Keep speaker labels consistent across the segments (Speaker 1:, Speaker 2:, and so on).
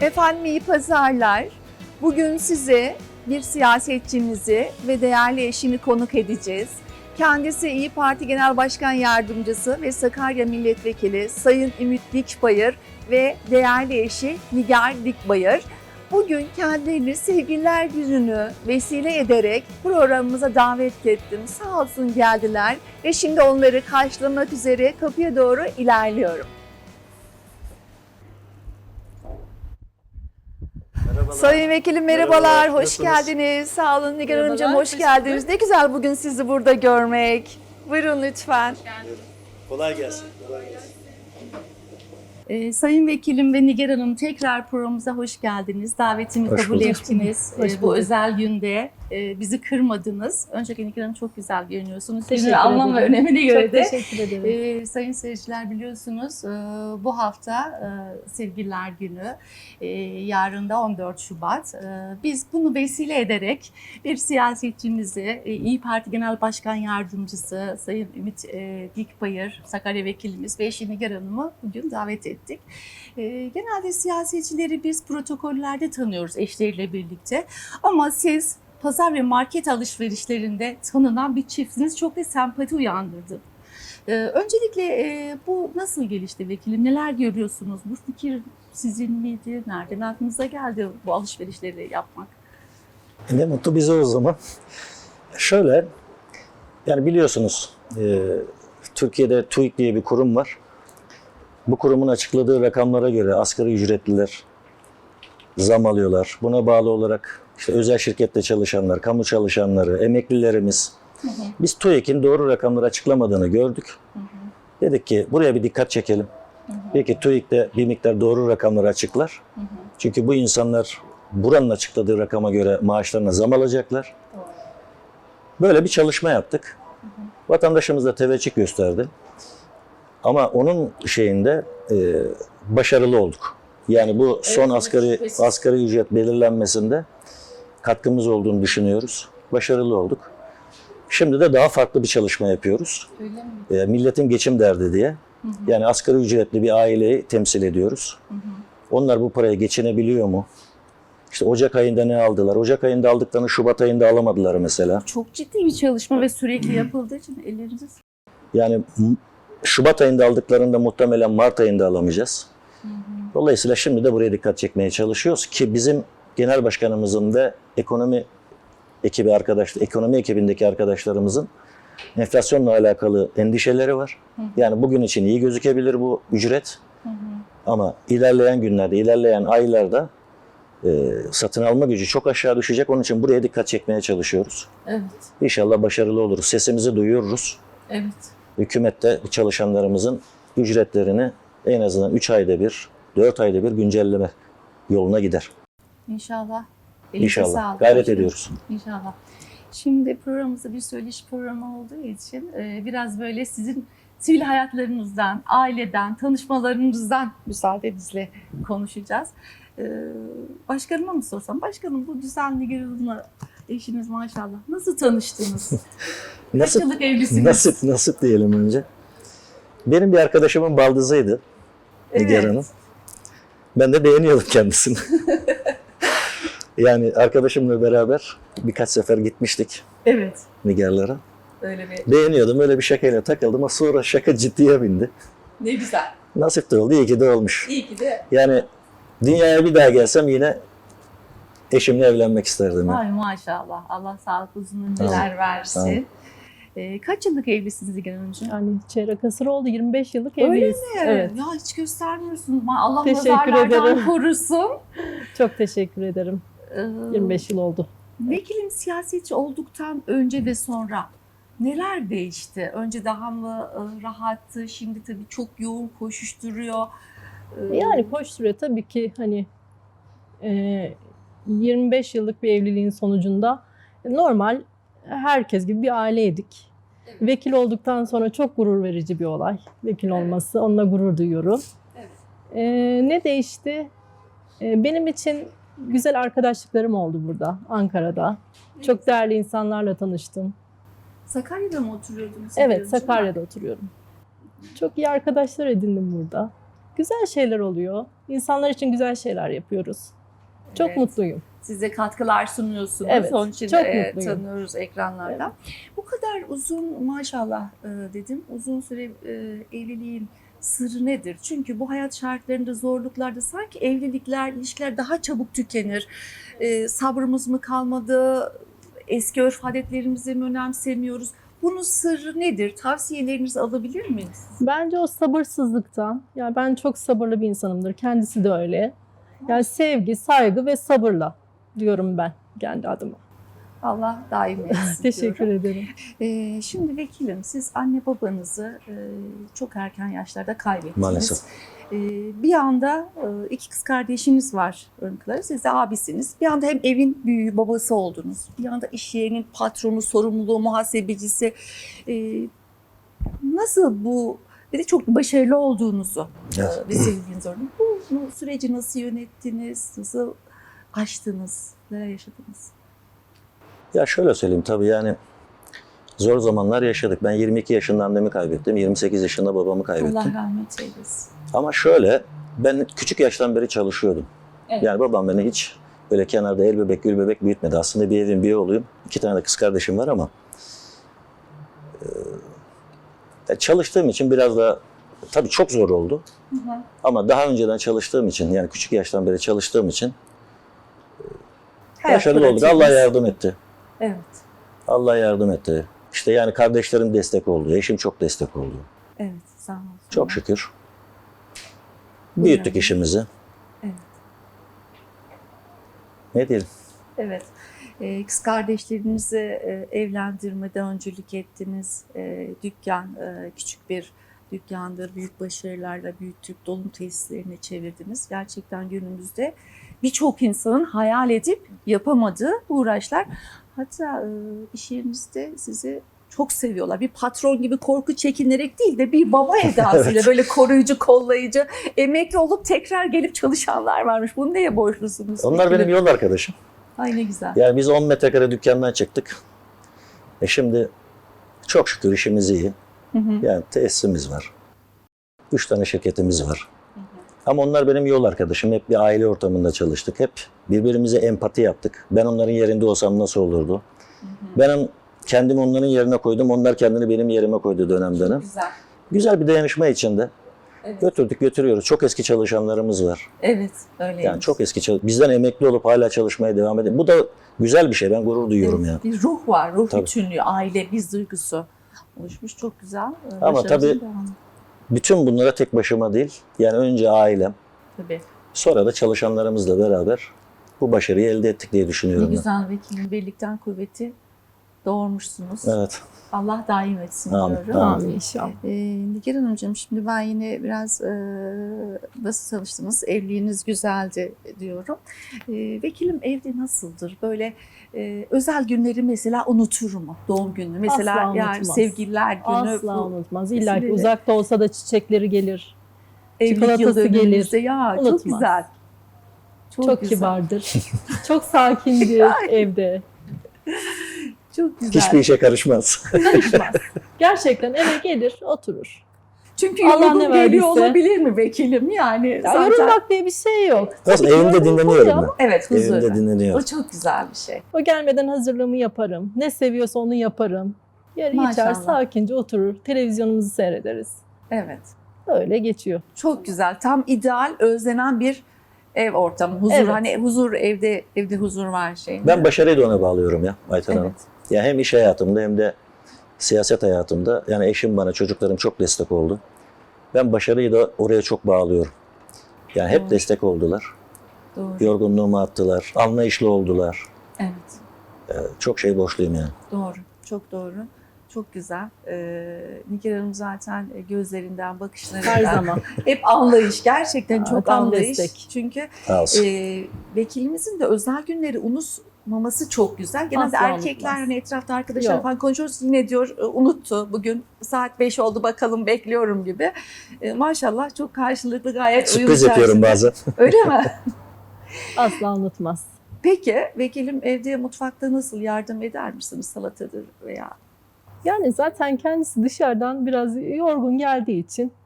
Speaker 1: Efendim iyi pazarlar. Bugün size bir siyasetçimizi ve değerli eşini konuk edeceğiz. Kendisi İYİ Parti Genel Başkan Yardımcısı ve Sakarya Milletvekili Sayın Ümit Dikbayır ve değerli eşi Nigar Dikbayır. Bugün kendilerini Sevgililer Günü'nü vesile ederek programımıza davet ettim. Sağ olsun geldiler ve şimdi onları karşılamak üzere kapıya doğru ilerliyorum.
Speaker 2: Merhabalar.
Speaker 1: Sayın Vekilim merhabalar,
Speaker 2: Merhabalar,
Speaker 1: hoş
Speaker 2: nasılsınız?
Speaker 1: geldiniz. Sağ olun Nigar
Speaker 3: Merhabalar,
Speaker 1: Hanımcığım, hoş
Speaker 3: hoş
Speaker 1: geldiniz.
Speaker 3: bulduk.
Speaker 1: Ne güzel bugün sizi burada görmek. Buyurun lütfen.
Speaker 2: Kolay gelsin. Kolay gelsin.
Speaker 3: Sayın Vekilim ve Nigar Hanım tekrar programımıza hoş geldiniz. Davetimi
Speaker 2: Hoş
Speaker 3: kabul
Speaker 2: bulduk.
Speaker 3: ettiniz.
Speaker 1: Hoş
Speaker 3: Bu
Speaker 1: bulduk.
Speaker 3: özel günde bizi kırmadınız. Öncelikle Nigar Hanım çok güzel görünüyorsunuz.
Speaker 4: Teşekkür
Speaker 3: Günün anlam ve
Speaker 4: ederim.
Speaker 3: önemine göre
Speaker 4: Çok
Speaker 3: de.
Speaker 4: teşekkür ederim.
Speaker 3: Sayın seyirciler biliyorsunuz bu hafta Sevgililer Günü, yarın da 14 Şubat. Biz bunu vesile ederek bir siyasetçimizi, İYİ Parti Genel Başkan Yardımcısı Sayın Ümit Dikbayır, Sakarya Vekilimiz ve eşi Nigar Hanım'ı bugün davet ettik. Genelde siyasetçileri biz protokollerde tanıyoruz eşleriyle birlikte ama siz pazar ve market alışverişlerinde tanınan bir çiftsiniz, çok da sempati uyandırdı. Öncelikle bu nasıl gelişti vekilim? Neler görüyorsunuz? Bu fikir sizin miydi? Nereden aklınıza geldi bu alışverişleri yapmak?
Speaker 2: Ne mutlu bize o zaman. Şöyle, yani biliyorsunuz Türkiye'de TÜİK diye bir kurum var. Bu kurumun açıkladığı rakamlara göre asgari ücretliler zam alıyorlar. Buna bağlı olarak işte özel şirkette çalışanlar, kamu çalışanları, emeklilerimiz. Biz TÜİK'in doğru rakamları açıklamadığını gördük. Dedik ki buraya bir dikkat çekelim. Belki TÜİK de bir miktar doğru rakamları açıklar. Çünkü bu insanlar buranın açıkladığı rakama göre maaşlarına zam alacaklar. Böyle bir çalışma yaptık. Vatandaşımız da teveccüh gösterdi. Ama onun şeyinde başarılı olduk. Yani bu son asgari ücret belirlenmesinde katkımız olduğunu düşünüyoruz. Başarılı olduk. Şimdi de daha farklı bir çalışma yapıyoruz.
Speaker 3: Öyle mi?
Speaker 2: Milletin geçim derdi diye. Yani asgari ücretli bir aileyi temsil ediyoruz. Onlar bu paraya geçinebiliyor mu? İşte Ocak ayında ne aldılar? Ocak ayında aldıklarını Şubat ayında alamadılar mesela.
Speaker 3: Çok ciddi bir çalışma ve sürekli yapıldığı için ellerinize
Speaker 2: Yani Şubat ayında aldıklarını da muhtemelen Mart ayında alamayacağız. Dolayısıyla şimdi de buraya dikkat çekmeye çalışıyoruz ki bizim genel başkanımızın ve ekonomi ekibindeki arkadaşlarımızın enflasyonla alakalı endişeleri var. Yani bugün için iyi gözükebilir bu ücret. Ama ilerleyen günlerde, ilerleyen aylarda satın alma gücü çok aşağı düşecek. Onun için buraya dikkat çekmeye çalışıyoruz.
Speaker 3: Evet,
Speaker 2: İnşallah başarılı oluruz. Sesimizi duyururuz.
Speaker 3: evet.
Speaker 2: Hükümet de çalışanlarımızın ücretlerini en azından 3 ayda bir, 4 ayda bir güncelleme yoluna gider.
Speaker 3: İnşallah. Elinize
Speaker 2: İnşallah.
Speaker 3: sağlık.
Speaker 2: Gayret ediyoruz.
Speaker 3: İnşallah. Şimdi programımızda bir söyleşi programı olduğu için biraz böyle sizin sivil hayatlarınızdan, aileden, tanışmalarınızdan müsaadenizle konuşacağız. Başkanıma mı sorsam? Başkanım bu düzenli Nigar eşiniz maşallah. Nasıl tanıştınız? Kaç yıllık evlisiniz?
Speaker 2: Nasip diyelim önce. Benim bir arkadaşımın baldızıydı. Nigar Hanım. Ben de beğeniyordum kendisini. Yani arkadaşımla beraber birkaç sefer gitmiştik
Speaker 3: Evet.
Speaker 2: Nigarlara.
Speaker 3: Öyle bir.
Speaker 2: Beğeniyordum. Öyle bir şakayla takıldım ama sonra şaka ciddiye bindi.
Speaker 3: Ne güzel.
Speaker 2: Nasip de oldu. İyi ki de olmuş.
Speaker 3: İyi ki de.
Speaker 2: Yani dünyaya bir daha gelsem yine eşimle evlenmek isterdim. Yani.
Speaker 3: Ay maşallah. Allah sağlık uzun ömürler
Speaker 2: Tamam.
Speaker 3: versin. Kaç yıllık evlisiniz Nigar Hanımcığım?
Speaker 4: Yani çeyrek asır oldu, 25 yıllık
Speaker 3: Öyle
Speaker 4: evliyiz.
Speaker 3: mi?
Speaker 4: Evet.
Speaker 3: Ya hiç göstermiyorsun. Allah
Speaker 4: Teşekkür
Speaker 3: nazarlardan
Speaker 4: ederim.
Speaker 3: korusun.
Speaker 4: Çok teşekkür ederim.
Speaker 3: Ee,
Speaker 4: 25 yıl oldu.
Speaker 3: Vekilim siyasetçi olduktan önce ve sonra neler değişti? Önce daha mı rahattı? Şimdi tabii çok yoğun koşuşturuyor.
Speaker 4: Yani koşturuyor tabii ki hani 25 yıllık bir evliliğin sonucunda normal herkes gibi bir aileydik.
Speaker 3: Evet.
Speaker 4: Vekil olduktan sonra çok gurur verici bir olay. Vekil olması, onunla gurur duyuyorum.
Speaker 3: Evet.
Speaker 4: Ne değişti? Benim için güzel arkadaşlıklarım oldu burada, Ankara'da. Çok değerli insanlarla tanıştım.
Speaker 3: Sakarya'da mı oturuyordunuz?
Speaker 4: Evet, Sakarya'da oturuyorum. Çok iyi arkadaşlar edindim burada. güzel şeyler oluyor. İnsanlar için güzel şeyler yapıyoruz. Çok
Speaker 1: Evet.
Speaker 4: mutluyum.
Speaker 1: Size katkılar sunuyorsunuz.
Speaker 4: Evet,
Speaker 1: Onun için
Speaker 4: çok mutluyum.
Speaker 1: tanıyoruz ekranlardan. Bu kadar uzun maşallah dedim. Uzun süre evliliğin sırrı nedir? Çünkü bu hayat şartlarında, zorluklarda sanki evlilikler, ilişkiler daha çabuk tükenir. Sabrımız mı kalmadı? Eski örf adetlerimizi mi önemsemiyoruz? Bunun sırrı nedir? Tavsiyelerinizi alabilir miyiz?
Speaker 4: Bence o sabırsızlıktan, yani ben çok sabırlı bir insanımdır. Kendisi de öyle. Yani sevgi, saygı ve sabırla diyorum ben kendi adıma.
Speaker 1: Allah daim etsin
Speaker 4: Teşekkür
Speaker 1: diyorum.
Speaker 4: ederim.
Speaker 1: Şimdi vekilim, siz anne babanızı çok erken yaşlarda kaybettiniz.
Speaker 2: Maalesef.
Speaker 1: Bir anda iki kız kardeşiniz var örnekleri. Siz de abisiniz. Bir anda hem evin büyüğü babası oldunuz. Bir anda iş yerinin patronu, sorumluluğu, muhasebecisi. Nasıl bu, bir de çok başarılı olduğunuzu
Speaker 2: Evet.
Speaker 1: vesiliniz orada. Bu süreci nasıl yönettiniz? Nasıl aştınız? Neler yaşadınız?
Speaker 2: Ya şöyle söyleyeyim, tabii yani zor zamanlar yaşadık. Ben 22 yaşında annemi kaybettim. 28 yaşında babamı kaybettim.
Speaker 1: Allah rahmet eylesin.
Speaker 2: Ama şöyle, ben küçük yaştan beri çalışıyordum.
Speaker 1: Evet.
Speaker 2: Yani babam beni hiç böyle kenarda el bebek gül bebek büyütmedi. Aslında bir evin bir oğluyum. 2 tane de kız kardeşim var ama çalıştığım için biraz da tabii çok zor oldu.
Speaker 1: Hı hı.
Speaker 2: Ama daha önceden çalıştığım için, yani küçük yaştan beri çalıştığım için
Speaker 1: Hayat
Speaker 2: başarılı olduk.
Speaker 1: pratiğiniz.
Speaker 2: Allah yardım etti.
Speaker 1: Evet.
Speaker 2: Allah yardım etti. İşte yani kardeşlerim destek oldu. Eşim çok destek oldu.
Speaker 1: Evet. Sağ olun.
Speaker 2: Çok şükür. Büyüttük işimizi.
Speaker 1: Evet.
Speaker 2: Ne diyelim?
Speaker 1: Evet. Kız kardeşlerinizi evlendirmede öncülük ettiniz. Dükkan, küçük bir dükkandır. Büyük başarılarla büyüttük. Dolum tesislerine çevirdiniz. Gerçekten günümüzde birçok insanın hayal edip yapamadığı uğraşlar. Hatta iş yerinizde sizi çok seviyorlar. Bir patron gibi korku çekinerek değil de bir baba edasıyla
Speaker 2: Evet.
Speaker 1: böyle koruyucu, kollayıcı, emekli olup tekrar gelip çalışanlar varmış. Bunu neye borçlusunuz?
Speaker 2: Onlar
Speaker 1: Peki?
Speaker 2: benim yol arkadaşım.
Speaker 1: Ay ne güzel.
Speaker 2: Yani biz 10 metrekare dükkandan çıktık. Şimdi çok şükür işimiz iyi.
Speaker 1: Hı hı.
Speaker 2: Yani tesisimiz var. 3 tane şirketimiz var. Ama onlar benim yol arkadaşım. Hep bir aile ortamında çalıştık. Hep birbirimize empati yaptık. Ben onların yerinde olsam nasıl olurdu? Ben kendimi onların yerine koydum. Onlar kendini benim yerime koydu dönem dönem.
Speaker 1: Güzel.
Speaker 2: Güzel bir dayanışma içinde.
Speaker 1: Evet.
Speaker 2: Götürüyoruz. Çok eski çalışanlarımız var.
Speaker 1: Evet, öyle.
Speaker 2: Yani çok eski bizden emekli olup hala çalışmaya devam ediyor. Bu da güzel bir şey. Ben gurur duyuyorum ya.
Speaker 1: Bir ruh var, ruh
Speaker 2: Tabii.
Speaker 1: bütünlüğü, aile, biz duygusu oluşmuş. Çok güzel.
Speaker 2: Ama
Speaker 1: Başarılı
Speaker 2: tabii-
Speaker 1: devam.
Speaker 2: Bütün bunlara tek başıma değil. Yani önce ailem,
Speaker 1: Tabii.
Speaker 2: sonra da çalışanlarımızla beraber bu başarıyı elde ettik diye
Speaker 1: Ne
Speaker 2: düşünüyorum ben.
Speaker 1: güzel vekilim, birlikten kuvveti doğurmuşsunuz.
Speaker 2: Evet.
Speaker 1: Allah daim etsin
Speaker 2: Amin,
Speaker 1: diyorum.
Speaker 2: amin.
Speaker 4: Amin inşallah.
Speaker 1: Nigar Hanımcığım, şimdi ben yine biraz nasıl çalıştınız, evliliğiniz güzeldi diyorum. Vekilim evde nasıldır? Böyle özel günleri mesela unutur mu? Doğum günü mesela,
Speaker 4: Asla
Speaker 1: yani
Speaker 4: unutmaz.
Speaker 1: sevgililer günü.
Speaker 4: Asla
Speaker 1: bu
Speaker 4: unutmaz. İlla ki
Speaker 1: vesileyle-
Speaker 4: uzakta olsa da çiçekleri gelir.
Speaker 1: evlilik
Speaker 4: çikolatası
Speaker 1: yıl dönümümüzde.
Speaker 4: gelir.
Speaker 1: Ya çok
Speaker 4: Unutmaz.
Speaker 1: güzel.
Speaker 4: Çok
Speaker 1: güzel.
Speaker 4: kibardır. Çok sakindir evde.
Speaker 1: Çok güzel.
Speaker 2: Hiçbir işe karışmaz.
Speaker 4: Karışmaz. Gerçekten eve gelir, oturur.
Speaker 1: Çünkü
Speaker 4: Allah
Speaker 1: yorgun
Speaker 4: ne
Speaker 1: geliyor
Speaker 4: verdiyse.
Speaker 1: olabilir mi vekilim? Yani
Speaker 4: Ya
Speaker 1: zaten
Speaker 4: yorulmak diye bir şey yok.
Speaker 2: Aslında
Speaker 4: Tabii ki
Speaker 2: evimde
Speaker 4: yorgun
Speaker 2: dinleniyorum
Speaker 4: oluyor
Speaker 2: ben.
Speaker 4: ama
Speaker 1: evet, huzur.
Speaker 2: Evimde
Speaker 1: O
Speaker 2: dinleniyorum.
Speaker 1: çok güzel bir şey.
Speaker 4: o gelmeden hazırlığımı yaparım. Ne seviyorsa onu yaparım. Yer içer,
Speaker 1: Maşallah.
Speaker 4: sakince oturur. Televizyonumuzu seyrederiz.
Speaker 1: Evet.
Speaker 4: Öyle geçiyor.
Speaker 1: Çok güzel. Tam ideal, özlenen bir ev ortamı. Huzur.
Speaker 4: Evet.
Speaker 1: Hani huzur, evde huzur var şey.
Speaker 2: Ben başarıyı da ona bağlıyorum ya Ayten Hanım.
Speaker 1: Evet.
Speaker 2: Ya hem iş hayatımda hem de siyaset hayatımda. Yani eşim bana, çocuklarım çok destek oldu. Ben başarıyı da oraya çok bağlıyorum. Yani hep
Speaker 1: Doğru.
Speaker 2: destek oldular.
Speaker 1: Doğru.
Speaker 2: Yorgunluğumu attılar. Anlayışlı oldular.
Speaker 1: Evet.
Speaker 2: Çok şey borçluyum yani.
Speaker 1: Doğru. Çok doğru. Çok güzel. Nigar Hanım zaten gözlerinden, bakışlarından
Speaker 4: Her zaman.
Speaker 1: hep anlayış. Gerçekten
Speaker 4: Aa,
Speaker 1: çok
Speaker 4: tam
Speaker 1: anlayış.
Speaker 4: destek.
Speaker 1: Çünkü
Speaker 2: Sağ olsun.
Speaker 1: vekilimizin de özel günleri unutmaması çok güzel. Genelde
Speaker 4: Asla
Speaker 1: erkekler
Speaker 4: unutmaz.
Speaker 1: hani etrafta arkadaşlar
Speaker 4: Yok.
Speaker 1: falan konuşuyoruz, yine diyor unuttu bugün saat 5 oldu bakalım bekliyorum gibi. Maşallah çok karşılıklı, gayet uyum
Speaker 2: Sürpriz yapıyorum
Speaker 1: içerisinde.
Speaker 2: bazen.
Speaker 1: Öyle mi?
Speaker 4: Asla unutmaz.
Speaker 1: Peki vekilim evde, mutfakta nasıl yardım eder misiniz, salatadır veya?
Speaker 4: Yani zaten kendisi dışarıdan biraz yorgun geldiği için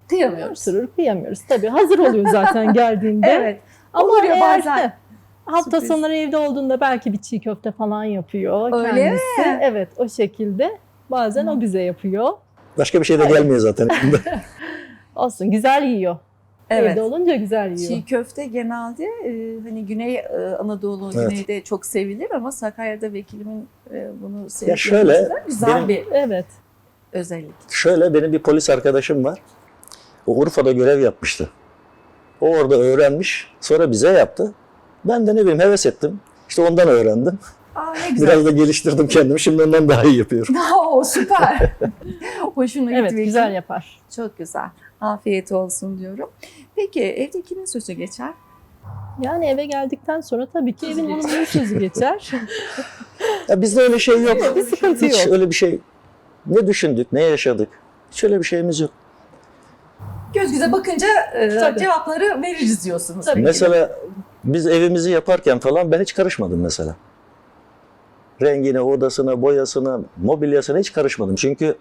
Speaker 3: Kıyamıyoruz.
Speaker 4: Sürür kıyamıyoruz. Tabii hazır oluyor zaten geldiğinde.
Speaker 3: Evet.
Speaker 4: Ama
Speaker 3: Olur ya
Speaker 4: eğer
Speaker 3: bazen.
Speaker 4: hafta
Speaker 3: Sürpriz.
Speaker 4: sonları evde olduğunda belki bir çiğ köfte falan yapıyor
Speaker 3: Öyle
Speaker 4: kendisi.
Speaker 3: mi?
Speaker 4: Evet, o şekilde. Bazen o bize yapıyor.
Speaker 2: Başka bir şey de gelmiyor zaten.
Speaker 4: Olsun, güzel yiyor.
Speaker 3: Evet.
Speaker 4: Evde olunca güzel yiyor.
Speaker 3: Çiğ köfte genelde hani Güney Anadolu,
Speaker 2: Evet.
Speaker 3: Güney'de çok sevilir ama Sakarya'da vekilimin bunu
Speaker 2: Ya şöyle,
Speaker 3: yapması da güzel
Speaker 2: benim-
Speaker 3: bir
Speaker 4: Evet.
Speaker 3: özellik.
Speaker 2: Şöyle, benim bir polis arkadaşım var. O Urfa'da görev yapmıştı. O orada öğrenmiş. Sonra bize yaptı. Ben de ne bileyim heves ettim. İşte ondan öğrendim.
Speaker 3: Aa ne güzel.
Speaker 2: Biraz da geliştirdim kendimi. Şimdi ondan daha iyi yapıyorum.
Speaker 3: O süper. Hoşuna gitti.
Speaker 4: Evet,
Speaker 3: vekilim.
Speaker 4: güzel yapar.
Speaker 3: Çok güzel. Afiyet olsun diyorum. Peki evde kimin sözü geçer?
Speaker 4: Yani eve geldikten sonra tabii ki
Speaker 3: Sözü
Speaker 4: evin
Speaker 3: geçer.
Speaker 4: hanımının sözü geçer.
Speaker 2: Ya bizde öyle şey yok.
Speaker 4: Bir sıkıntı
Speaker 2: Hiç
Speaker 4: yok.
Speaker 2: öyle bir şey. Ne düşündük, ne yaşadık. Hiç öyle bir şeyimiz yok.
Speaker 3: Göz göze bakınca
Speaker 4: Tabii.
Speaker 3: cevapları veririz diyorsunuz.
Speaker 4: Tabii.
Speaker 2: Mesela biz evimizi yaparken falan ben hiç karışmadım mesela. Rengine, odasına, boyasına, mobilyasına hiç karışmadım. Çünkü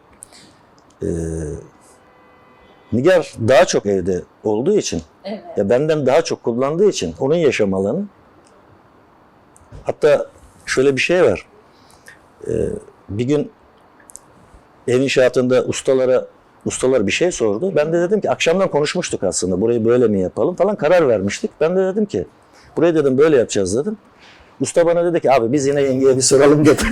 Speaker 2: Nigar daha çok evde olduğu için,
Speaker 3: Evet.
Speaker 2: ya benden daha çok kullandığı için onun yaşam alanı. Hatta şöyle bir şey var. Bir gün ev inşaatında ustalar bir şey sordu. Ben de dedim ki akşamdan konuşmuştuk aslında. Burayı böyle mi yapalım falan karar vermiştik. Ben de dedim ki burayı dedim böyle yapacağız dedim. Usta bana dedi ki abi biz yine yengeye bir soralım dedi.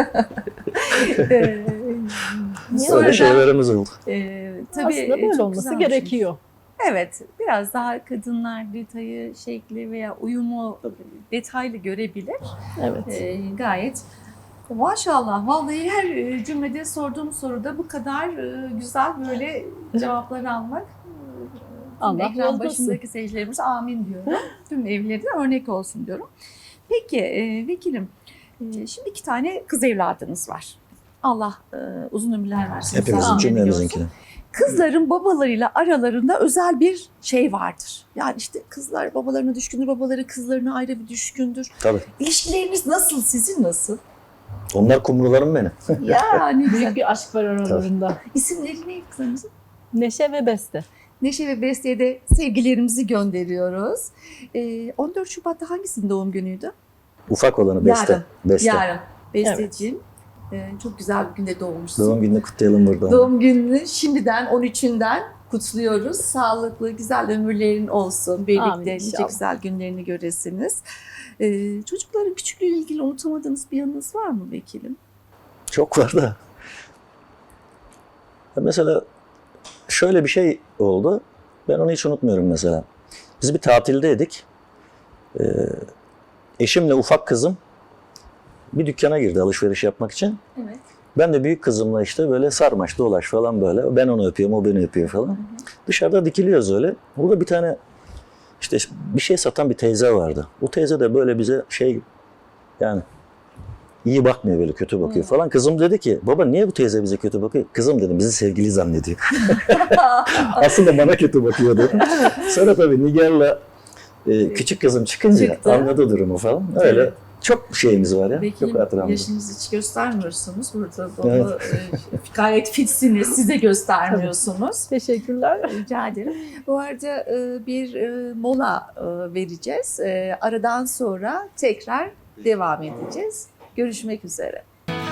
Speaker 3: Sonra
Speaker 2: Öyle şeylerimiz oldu.
Speaker 3: tabii
Speaker 4: Aslında böyle
Speaker 3: çok
Speaker 4: olması
Speaker 3: güzel bir şey.
Speaker 4: gerekiyor.
Speaker 3: Evet, biraz daha kadınlar detayı, şekli veya uyumu detaylı görebilir.
Speaker 4: Evet.
Speaker 3: Gayet maşallah. Vallahi her cümlede sorduğum soruda bu kadar güzel böyle cevaplar almak.
Speaker 4: Allah
Speaker 3: Ekran
Speaker 4: razı olsun.
Speaker 3: başındaki seyircilerimiz amin diyorum. Tüm evlerine örnek olsun diyorum. Peki vekilim, şimdi 2 tane kız evladınız var. Allah uzun ömürler versin.
Speaker 2: Hepimizin
Speaker 3: Amin
Speaker 2: cümlemizinkine.
Speaker 3: diyorsun. Kızların babalarıyla aralarında özel bir şey vardır. Yani işte kızlar babalarına düşkündür, babaları kızlarına ayrı bir düşkündür.
Speaker 2: Tabii.
Speaker 3: İlişkileriniz nasıl, sizin nasıl?
Speaker 2: Onlar kumrularım benim.
Speaker 3: Ya ne güzel.
Speaker 4: Büyük bir aşk var aralarında.
Speaker 3: İsimleri ne kızlarınızın?
Speaker 4: Neşe ve Beste.
Speaker 3: Neşe ve Beste'ye de sevgilerimizi gönderiyoruz. 14 Şubat'ta hangisinin doğum günüydü?
Speaker 2: Ufak olanı Beste.
Speaker 3: Yarın.
Speaker 2: Beste.
Speaker 3: Yarın. Besteciğim. Çok güzel bir günde doğmuşsun.
Speaker 2: Doğum gününü kutlayalım burada.
Speaker 3: Doğum gününü şimdiden 13'ünden kutluyoruz. Sağlıklı, güzel ömürlerin olsun.
Speaker 4: Amin
Speaker 3: Birlikte nice
Speaker 4: inşallah.
Speaker 3: güzel günlerini göresiniz. Çocukların küçüklüğüyle ilgili unutamadığınız bir yanınız var mı vekilim?
Speaker 2: Çok var da. Ya mesela şöyle bir şey oldu. Ben onu hiç unutmuyorum mesela. Biz bir tatildeydik. Eşimle ufak kızım bir dükkana girdi alışveriş yapmak için.
Speaker 3: Evet.
Speaker 2: Ben de büyük kızımla işte böyle sarmaş dolaş falan böyle. Ben onu öpüyorum, o beni öpüyor falan. Dışarıda dikiliyoruz öyle. Burada bir tane işte bir şey satan bir teyze vardı. O teyze de böyle bize yani iyi bakmıyor, böyle kötü bakıyor falan. Kızım dedi ki baba niye bu teyze bize kötü bakıyor? Kızım dedim bizi sevgili zannediyor. Aslında bana kötü bakıyordu. Sonra tabii Nigar'la küçük kızım çıkınca
Speaker 3: Çıktı.
Speaker 2: anladı durumu falan. Öyle
Speaker 3: Evet.
Speaker 2: çok şeyimiz var ya. Çok
Speaker 3: Vekilim
Speaker 2: hatıramda.
Speaker 3: yaşınızı hiç göstermiyorsunuz. Burada bunu
Speaker 2: Evet.
Speaker 3: gayet fitsiniz. Size göstermiyorsunuz.
Speaker 4: Teşekkürler.
Speaker 3: Rica ederim. Bu arada bir mola vereceğiz. Aradan sonra tekrar devam edeceğiz. Görüşmek üzere.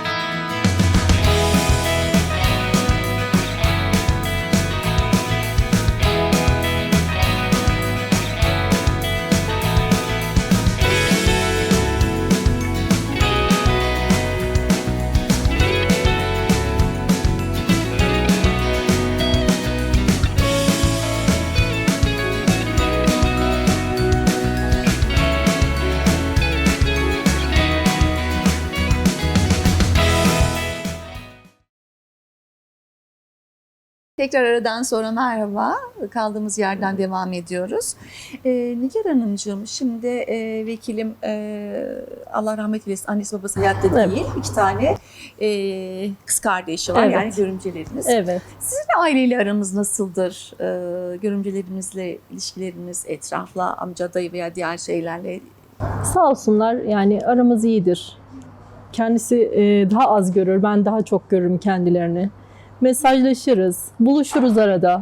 Speaker 3: Tekrar aradan sonra merhaba. Kaldığımız yerden devam ediyoruz. Nigar Hanımcığım, şimdi vekilim Allah rahmet eylesin annesi babası hayatta değil.
Speaker 4: Evet.
Speaker 3: 2 tane kız kardeşi var,
Speaker 4: Evet.
Speaker 3: yani görümceleriniz.
Speaker 4: Evet.
Speaker 3: Sizin aileyle aranız nasıldır? Görümcelerinizle ilişkileriniz, etrafla, amca, dayı veya diğer şeylerle.
Speaker 4: Sağ olsunlar, yani aramız iyidir. Kendisi daha az görür, ben daha çok görürüm kendilerini. Mesajlaşırız, buluşuruz arada.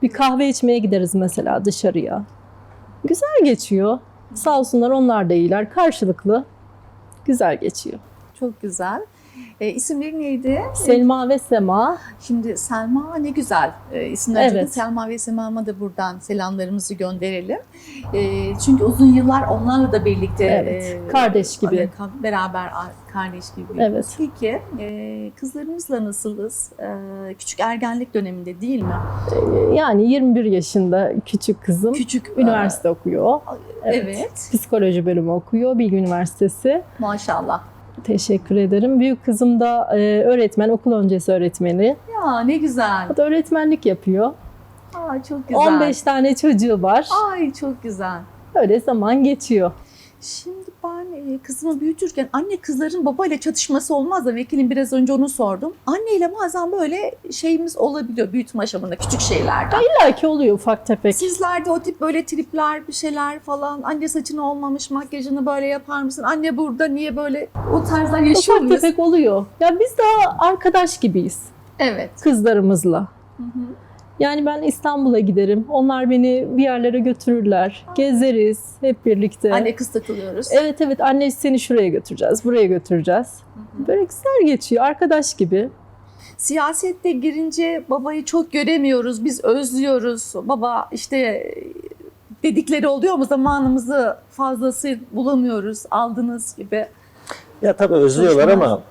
Speaker 4: Bir kahve içmeye gideriz mesela dışarıya. Güzel geçiyor. Sağ olsunlar, onlar da iyiler. Karşılıklı güzel geçiyor.
Speaker 1: Çok güzel. İsimleri neydi?
Speaker 4: Selma ve Sema.
Speaker 1: Şimdi Selma ne güzel. İsimler
Speaker 4: Evet.
Speaker 1: Selma ve Sema'ma da buradan selamlarımızı gönderelim. Çünkü uzun yıllar onlarla da birlikte
Speaker 4: Evet, kardeş gibi.
Speaker 1: Beraber kardeş gibi.
Speaker 4: Evet.
Speaker 1: Peki kızlarımızla nasılız? Küçük ergenlik döneminde değil mi?
Speaker 4: Yani 21 yaşında küçük kızım.
Speaker 1: Küçük
Speaker 4: Üniversite okuyor.
Speaker 1: Evet.
Speaker 4: Psikoloji bölümü okuyor Bilgi Üniversitesi.
Speaker 1: Maşallah.
Speaker 4: Teşekkür ederim. Büyük kızım da öğretmen, okul öncesi öğretmeni.
Speaker 1: Ya ne güzel.
Speaker 4: O da öğretmenlik yapıyor.
Speaker 1: Aa, çok güzel.
Speaker 4: 15 tane çocuğu var.
Speaker 1: Ay çok güzel.
Speaker 4: Öyle zaman geçiyor.
Speaker 1: Şimdi ben kızımı büyütürken anne kızların babayla çatışması olmaz da vekilim biraz önce onu sordum. Anneyle bazen böyle şeyimiz olabiliyor büyütme aşamasında küçük şeylerden.
Speaker 4: İlla ki oluyor ufak tefek.
Speaker 1: Sizlerde o tip böyle tripler bir şeyler falan anne saçını olmamış makyajını böyle yapar mısın? Anne burada niye böyle o tarzlar yaşıyor
Speaker 4: Ufak
Speaker 1: muyuz?
Speaker 4: tefek oluyor. Ya biz daha arkadaş gibiyiz
Speaker 1: Evet.
Speaker 4: kızlarımızla.
Speaker 1: Hı hı.
Speaker 4: Yani ben İstanbul'a giderim. Onlar beni bir yerlere götürürler. Gezeriz hep birlikte.
Speaker 1: Anne kız takılıyoruz.
Speaker 4: Evet evet, anne seni şuraya götüreceğiz, buraya götüreceğiz. Böyle güzel geçiyor, arkadaş gibi.
Speaker 1: Siyasette girince babayı çok göremiyoruz. Biz özlüyoruz. Baba işte dedikleri oluyor mu zamanımızı fazlası bulamıyoruz aldınız gibi.
Speaker 2: Ya tabii özlüyorlar
Speaker 1: Çalışmalar.
Speaker 2: ama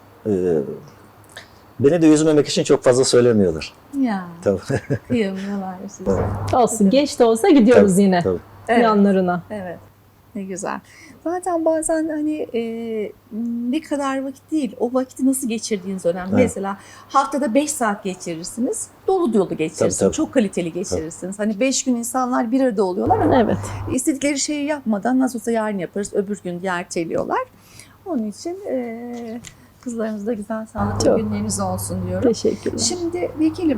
Speaker 2: beni de üzmemek için çok fazla söylemiyorlar.
Speaker 1: Ya
Speaker 2: Tabii.
Speaker 1: kıyamıyorlar size.
Speaker 4: Olsun, geç de olsa gidiyoruz
Speaker 2: Tabii,
Speaker 4: yine
Speaker 2: tabii.
Speaker 1: Evet.
Speaker 4: yanlarına.
Speaker 1: Evet. Ne güzel. Zaten bazen hani ne kadar vakit değil, o vakiti nasıl geçirdiğiniz önemli.
Speaker 2: Evet.
Speaker 1: Mesela haftada 5 saat geçirirsiniz, dolu dolu geçirirsiniz,
Speaker 2: Tabii, tabii.
Speaker 1: çok kaliteli geçirirsiniz. Hani 5 gün insanlar bir arada oluyorlar ama
Speaker 4: Evet.
Speaker 1: istedikleri şeyi yapmadan nasıl olsa yarın yaparız, öbür gün erteliyorlar. Onun için kızlarınızda güzel sağlıklı
Speaker 4: Çok.
Speaker 1: günleriniz olsun diyorum.
Speaker 4: Teşekkürler.
Speaker 1: Şimdi vekilim,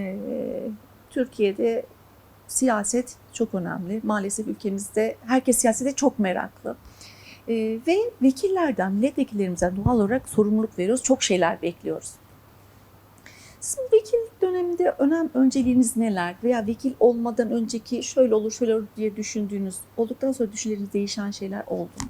Speaker 1: Türkiye'de siyaset çok önemli. Maalesef ülkemizde herkes siyasete çok meraklı. Ve vekillerden, milletvekillerimizden doğal olarak sorumluluk veriyoruz. Çok şeyler bekliyoruz. Sizin vekil döneminde önceliğiniz neler? Veya vekil olmadan önceki şöyle olur, şöyle olur diye düşündüğünüz, olduktan sonra düşünceleriniz değişen şeyler oldu mu?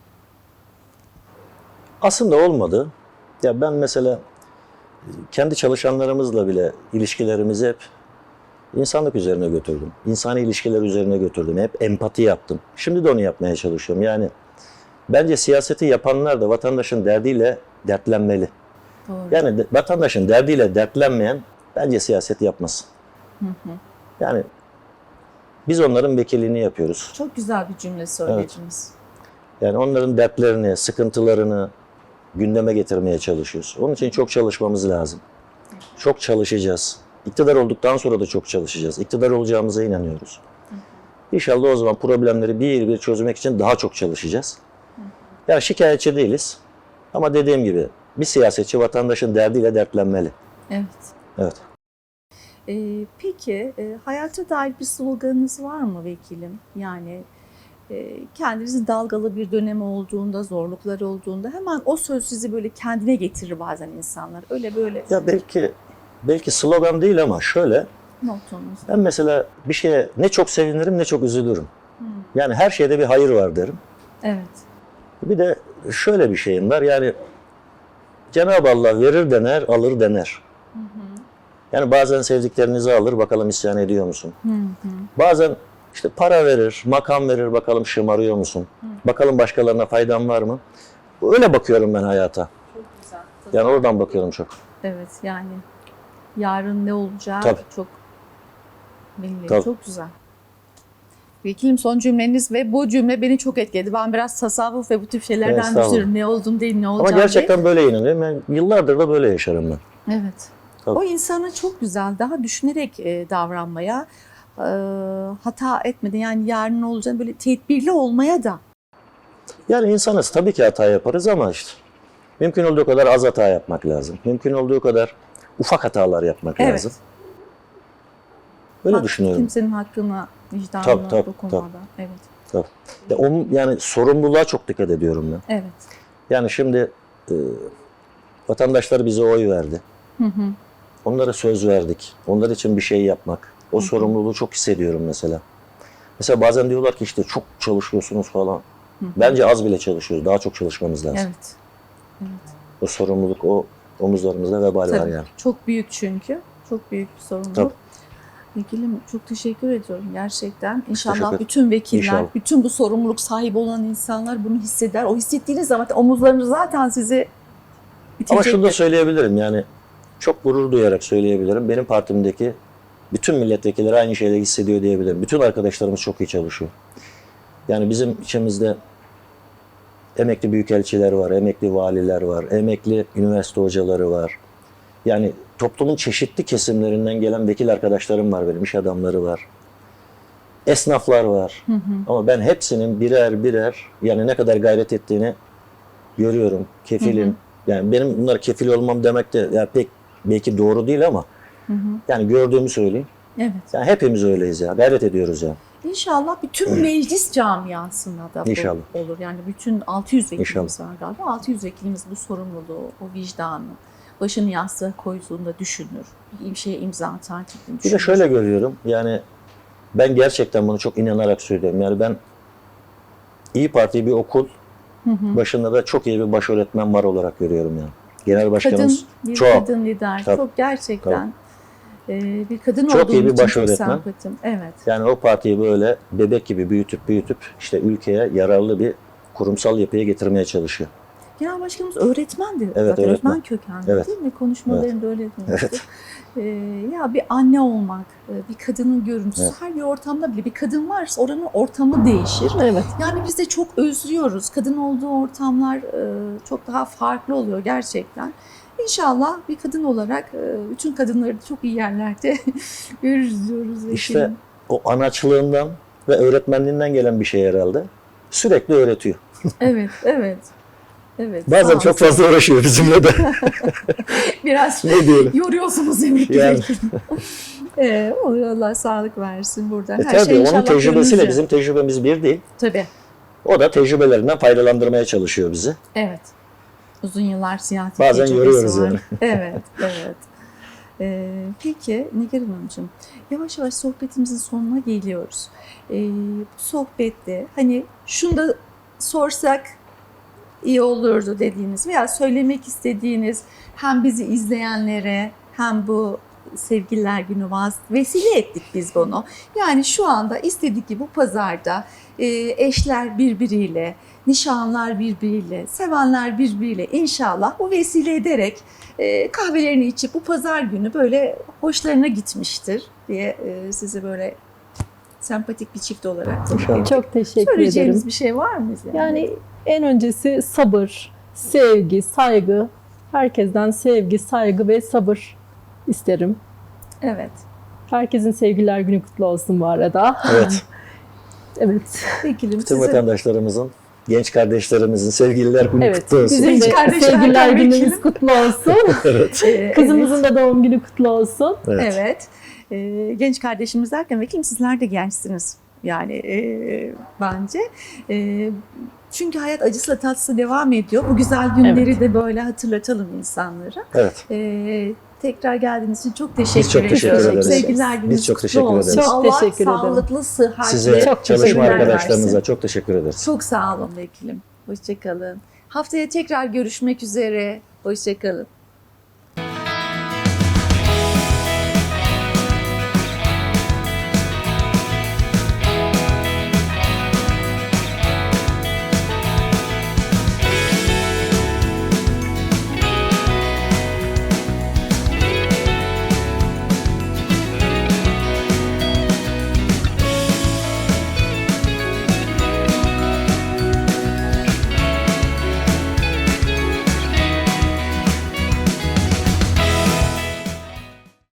Speaker 2: Aslında olmadı. Ya ben mesela kendi çalışanlarımızla bile ilişkilerimizi hep insanlık üzerine götürdüm. İnsani ilişkiler üzerine götürdüm. Hep empati yaptım. Şimdi de onu yapmaya çalışıyorum. Yani bence siyaseti yapanlar da vatandaşın derdiyle dertlenmeli.
Speaker 1: Doğru.
Speaker 2: Yani vatandaşın derdiyle dertlenmeyen bence siyaset yapmasın. Yani biz onların vekilliğini yapıyoruz.
Speaker 1: Çok güzel bir cümle söylediniz.
Speaker 2: Yani onların dertlerini, sıkıntılarını gündeme getirmeye çalışıyoruz. Onun için çok çalışmamız lazım. Çok çalışacağız. İktidar olduktan sonra da çok çalışacağız. İktidar olacağımıza inanıyoruz. İnşallah o zaman problemleri bir bir çözmek için daha çok çalışacağız. Yani şikayetçi değiliz. Ama dediğim gibi bir siyasetçi vatandaşın derdiyle dertlenmeli.
Speaker 1: Evet.
Speaker 2: Evet.
Speaker 1: Peki hayata dair bir sloganınız var mı vekilim? Yani kendinizi dalgalı bir dönem olduğunda, zorluklar olduğunda hemen o söz sizi böyle kendine getirir bazen insanlar. Öyle böyle
Speaker 2: Ya belki slogan değil ama şöyle,
Speaker 1: noktanız.
Speaker 2: ben mesela bir şeye ne çok sevinirim ne çok üzülürüm. Yani her şeyde bir hayır var derim.
Speaker 1: Evet.
Speaker 2: Bir de şöyle bir şeyim var, yani Cenab-ı Allah verir dener, alır dener. Yani bazen sevdiklerinizi alır, bakalım isyan ediyor musun? Bazen işte para verir, makam verir, bakalım şımarıyor musun? Bakalım başkalarına faydan var mı? Öyle bakıyorum ben hayata.
Speaker 1: Çok güzel.
Speaker 2: Yani oradan bakıyorum çok.
Speaker 1: Evet yani yarın ne olacağı
Speaker 2: Tabii.
Speaker 1: çok belli.
Speaker 2: Tabii.
Speaker 1: Çok güzel. Vekilim son cümleniz ve bu cümle beni çok etkiledi. Ben biraz tasavvuf ve bu tip şeylerden
Speaker 2: Estağfurullah.
Speaker 1: düşünüyorum. Ne oldum değil, ne
Speaker 2: Ama
Speaker 1: olacağım
Speaker 2: gerçekten böyle inanıyorum. Yani yıllardır da böyle yaşarım ben.
Speaker 1: değil. Evet.
Speaker 2: Tabii.
Speaker 1: O insana çok güzel, daha düşünerek davranmaya, hata etmeden yani yarın ne olacağını böyle tedbirli olmaya da.
Speaker 2: Yani insanız, tabii ki hata yaparız ama işte mümkün olduğu kadar az hata yapmak lazım. Mümkün olduğu kadar ufak hatalar yapmak
Speaker 1: Evet.
Speaker 2: lazım. Böyle düşünüyorum.
Speaker 1: Kimsenin hakkına, vicdanına
Speaker 2: Tabii,
Speaker 1: dokunmadan.
Speaker 2: tabii.
Speaker 1: Evet.
Speaker 2: Yani sorumluluğa çok dikkat ediyorum ben.
Speaker 1: Evet.
Speaker 2: Yani şimdi vatandaşlar bize oy verdi. Onlara söz verdik. Onlar için bir şey yapmak. O sorumluluğu çok hissediyorum mesela. Mesela bazen diyorlar ki işte çok çalışıyorsunuz falan. Bence az bile çalışıyoruz. Daha çok çalışmamız lazım.
Speaker 3: Evet. Evet.
Speaker 2: O sorumluluk o omuzlarımızda vebal var
Speaker 3: Tabii.
Speaker 2: yani.
Speaker 3: Çok büyük çünkü. Çok büyük bir sorumluluk.
Speaker 2: Tabii.
Speaker 3: Vekilim çok teşekkür ediyorum gerçekten.
Speaker 2: Teşekkür
Speaker 3: İnşallah
Speaker 2: ederim.
Speaker 3: bütün vekiller,
Speaker 2: İnşallah.
Speaker 3: bütün bu sorumluluk sahibi olan insanlar bunu hisseder. O hissettiğiniz zaman omuzlarınız zaten sizi
Speaker 2: Ama şunu da
Speaker 3: itecektir.
Speaker 2: söyleyebilirim yani çok gurur duyarak söyleyebilirim. Benim partimdeki bütün milletvekilleri aynı şeyleri hissediyor diyebilirim. Bütün arkadaşlarımız çok iyi çalışıyor. Yani bizim içimizde emekli büyükelçiler var, emekli valiler var, emekli üniversite hocaları var. Yani toplumun çeşitli kesimlerinden gelen vekil arkadaşlarım var benim, iş adamları var. Esnaflar var. Ama ben hepsinin birer birer yani ne kadar gayret ettiğini görüyorum. Kefilim. Yani benim bunlara kefil olmam demek de yani pek belki doğru değil ama yani gördüğümü söyleyeyim.
Speaker 3: Evet.
Speaker 2: Yani hepimiz öyleyiz ya. Gayret ediyoruz ya.
Speaker 3: İnşallah bütün meclis camiasına da bu
Speaker 2: İnşallah.
Speaker 3: olur. Yani bütün 600 vekilimiz
Speaker 2: İnşallah.
Speaker 3: var galiba. 600 vekilimiz bu sorumluluğu, o vicdanı, başını yastığa koyduğunda düşünür. Bir şeye imza atar.
Speaker 2: Bir de şöyle görüyorum. Yani ben gerçekten bunu çok inanarak söylüyorum. Yani ben İyi Parti bir okul başında da çok iyi bir baş öğretmen var olarak görüyorum yani. Genel başkanımız
Speaker 3: Bir
Speaker 2: çok.
Speaker 3: kadın lider.
Speaker 2: Tabii.
Speaker 3: Çok gerçekten. Bir kadın
Speaker 2: Çok
Speaker 3: olduğum
Speaker 2: iyi bir
Speaker 3: için
Speaker 2: baş
Speaker 3: çok
Speaker 2: öğretmen.
Speaker 3: sempatim. Evet.
Speaker 2: Yani o partiyi böyle bebek gibi büyütüp işte ülkeye yararlı bir kurumsal yapıya getirmeye çalışıyor.
Speaker 3: Genel başkanımız öğretmendi.
Speaker 2: Evet,
Speaker 3: zaten.
Speaker 2: öğretmen.
Speaker 3: Öğretmen kökenli
Speaker 2: Evet.
Speaker 3: değil mi? Konuşmalarında öyle demişti.
Speaker 2: Evet.
Speaker 3: Ya bir anne olmak, bir kadının görüntüsü,
Speaker 2: Evet.
Speaker 3: her bir ortamda bile bir kadın varsa oranın ortamı değişir.
Speaker 4: Evet.
Speaker 3: Yani biz de çok özlüyoruz. Kadın olduğu ortamlar çok daha farklı oluyor gerçekten. İnşallah bir kadın olarak bütün kadınları da çok iyi yerlerde görürüz diyoruz.
Speaker 2: İşte o anaçlığından ve öğretmenliğinden gelen bir şey herhalde. Sürekli öğretiyor.
Speaker 3: Evet, evet. Evet.
Speaker 2: Bazen
Speaker 3: sağ
Speaker 2: çok
Speaker 3: olsun.
Speaker 2: fazla uğraşıyor bizimle de.
Speaker 3: Biraz
Speaker 2: Ne diyelim?
Speaker 3: yoruyorsunuz emekli
Speaker 2: Yani.
Speaker 3: vekilim. Allah sağlık versin buradan. Her
Speaker 2: Tabii
Speaker 3: şey
Speaker 2: onun
Speaker 3: inşallah
Speaker 2: tecrübesiyle
Speaker 3: gönlünüzce.
Speaker 2: bizim tecrübemiz bir değil.
Speaker 3: Tabii.
Speaker 2: O da tecrübelerinden faydalandırmaya çalışıyor bizi.
Speaker 3: Evet. Uzun yıllar siyasi
Speaker 2: Bazen
Speaker 3: tecrübesi
Speaker 2: yoruyoruz
Speaker 3: var.
Speaker 2: yani.
Speaker 3: Evet, evet. Peki Nigar Hanımcığım, yavaş yavaş sohbetimizin sonuna geliyoruz. Bu sohbette hani şunu da sorsak iyi olurdu dediğiniz veya söylemek istediğiniz hem bizi izleyenlere hem bu Sevgililer Günü vesile ettik biz bunu. Yani şu anda istedik ki bu pazarda eşler birbiriyle, nişanlar birbiriyle, sevenler birbiriyle inşallah bu vesile ederek kahvelerini içip bu pazar günü böyle hoşlarına gitmiştir diye sizi böyle sempatik bir çift olarak
Speaker 2: İnşallah.
Speaker 4: Çok teşekkür
Speaker 3: söyleyeceğiniz
Speaker 4: ederim.
Speaker 3: bir şey var mı?
Speaker 4: Yani en öncesi sabır, sevgi, saygı. Herkesten sevgi, saygı ve sabır isterim.
Speaker 3: Evet.
Speaker 4: Herkesin Sevgililer Günü kutlu olsun bu arada.
Speaker 2: Evet.
Speaker 4: Evet.
Speaker 3: Vekilim
Speaker 2: Bütün
Speaker 3: size
Speaker 2: vatandaşlarımızın, genç kardeşlerimizin sevgililer günü
Speaker 4: Evet.
Speaker 2: kutlu olsun.
Speaker 4: Bizim
Speaker 3: Genç
Speaker 4: de
Speaker 3: kardeşler
Speaker 4: Sevgililer
Speaker 3: tabii ki.
Speaker 4: Günümüz kutlu olsun.
Speaker 2: Evet.
Speaker 4: Kızımızın da doğum günü kutlu olsun.
Speaker 2: Evet.
Speaker 3: Evet. Genç kardeşimiz derken vekilim sizler de gençsiniz. Yani bence. Çünkü hayat acısıyla tatlısı devam ediyor. Bu güzel günleri
Speaker 4: Evet.
Speaker 3: de böyle hatırlatalım insanlara.
Speaker 2: Evet.
Speaker 3: Tekrar geldiğiniz için çok teşekkür
Speaker 2: Biz çok teşekkür
Speaker 3: ediyorum.
Speaker 2: ederiz.
Speaker 3: Sevgililer gününüz
Speaker 2: Biz çok
Speaker 3: kutlu
Speaker 2: teşekkür
Speaker 3: olsun.
Speaker 2: ederiz.
Speaker 4: Çok
Speaker 3: Allah
Speaker 4: teşekkür ederim.
Speaker 3: sağlıklı, sıhhatli
Speaker 2: Size,
Speaker 4: Çok
Speaker 2: çalışma
Speaker 4: teşekkürler
Speaker 2: arkadaşlarınıza
Speaker 3: versin.
Speaker 2: çok teşekkür ederiz.
Speaker 3: Çok sağ olun vekilim. Hoşçakalın. Haftaya tekrar görüşmek üzere. Hoşçakalın.